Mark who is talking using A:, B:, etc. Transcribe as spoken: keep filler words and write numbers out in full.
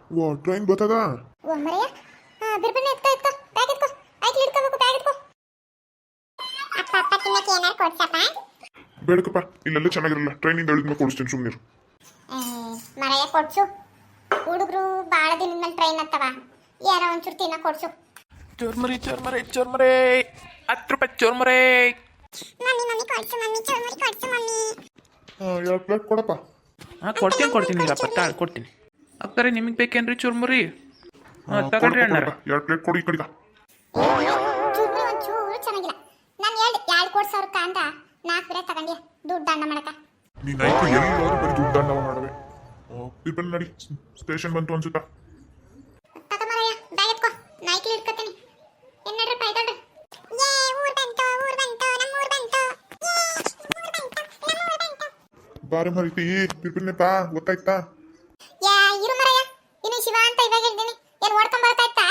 A: ಓ train ಬರ್ತದ
B: ಓ ಮರೆಯ ಬಿರ್ಬಿರ್ನ ಎತ್ಕೋ ಎತ್ಕೋ bag ಎತ್ಕೋ ಆಯ್ತು ಹಿಡ್ಕೋಬೇಕು bag ಎತ್ಕೋ ಅಪ್ಪ ಅಪ್ಪ ತಿನ್ನಕ್ಕೆ ಏನಾರು ಕೊಡ್ಸಪ್ಪ
A: ಬೇಡಕಪ್ಪ ಇಲ್ಲೆಲ್ಲ ಚೆನ್ನಾಗಿರಲ್ಲ ಟ್ರೈನಿಂದ ಇಳಿದ್ಮೇಲೆ ಕೊಡಿಸ್ತೀನಿ ಸುಮ್ಮನೆ
B: ಮರೆಯ ಕೊಡ್ಸು ಹುಡುಗರು ಭಾಳ ದಿನದ ಮೇಲೆ ಟ್ರೈನ್ ಹತ್ತವ ಯಾರೋ ಒಂಚೂರು ತಿನ್ನ ಕೊಡ್ಸು
C: ಚೋರ್ಮರಿ ಚೋರ್ಮರಿ ಚೋರ್ಮರಿ ಹತ್ತು ರೂಪಾಯಿ ಚೋರ್ಮರಿ
B: ಮಮ್ಮಿ ಮಮ್ಮಿ ಕೊಡ್ಸು ಮಮ್ಮಿ ಚೋರ್ಮರಿ ಕೊಡ್ಸು ಮಮ್ಮಿ
A: ಹಾಂ ಎರಡು ಪ್ಲೇಟ್ ಕೊಡಪ್ಪ
C: ಹಾಂ ಕೊಡ್ತೀನಿ ಕೊಡ್ತೀನಿ ಇಲ್ಲಪ್ಪ ತಾಳು ಕೊಡ್ತೀನಿ ಅಕ್ಕರೆ ನಿಮಗೆ ಬೇಕೇನ್ರಿ ಚುರ್ಮುರಿ ಹಾಂ ತಗೊಳ್ರಿ ಅಣ್ಣಾರ
A: ಎರಡು ಪ್ಲೇಟ್ ಕೊಡಿ ಈ ಕಡೆಗ
B: ಚೂರ್ಮರಿ ಒಂಚೂರು ಚೆನ್ನಾಗಿಲ್ಲ ನಾನು ಹೇಳ್ದೆ ಎರಡು ಕೋಟಿ ಸಾವಿರಕ್ಕ ಅಂತ ನಾಲ್ಕು ಬೇರೆ ತಗೊಂಡ್ಯ ದುಡ್ಡು ದಂಡ ಮಾಡಕ
A: ನೀನು ಆಯ್ತು ಎಲ್ಲರೂ ಬರೀ ದುಡ್ಡು ದಂಡವ ಮಾಡವೆ ಬಿರ್ಬನ್ ನಡಿ ಸ್ಟೇಷನ್ ಬಂತು ಅನ್ಸುತ್ತಾ
B: ತಗ ಮರಯ್ಯ ಬ್ಯಾಗ್ ಎತ್ಕೋ ನೈಕ್ಲಿ ಇಟ್ಕೊತೀನಿ ಏನು ನಡ್ರಿ ಪಾಯ್ತೊಳ್ರಿ ಏ ಊರ್ ಬಂತು ಊರ್ ಬಂತು ನಮ್ಮ ಊರ್ ಬಂತು ಏ ಊರ್ ಬಂತು ನಮ್ಮ ಊರ್ ಬಂತು
A: ಬಾರಿ ಮರಿತಿ ಬಿರ್ಬಿನ್ನೆಪ್ಪ ಗೊತ್ತಾಯ್ತಾ
B: ಯಾ ಇರು ಮರಯ್ಯ ಇನ್ನು ಶಿವ ಅಂತ ಇವಾಗ ಹೇಳ್ತೀನಿ ಏನು ಓಡ್ಕೊಂಡ್ ಬರ್ತಾ ಇತ್ತಾ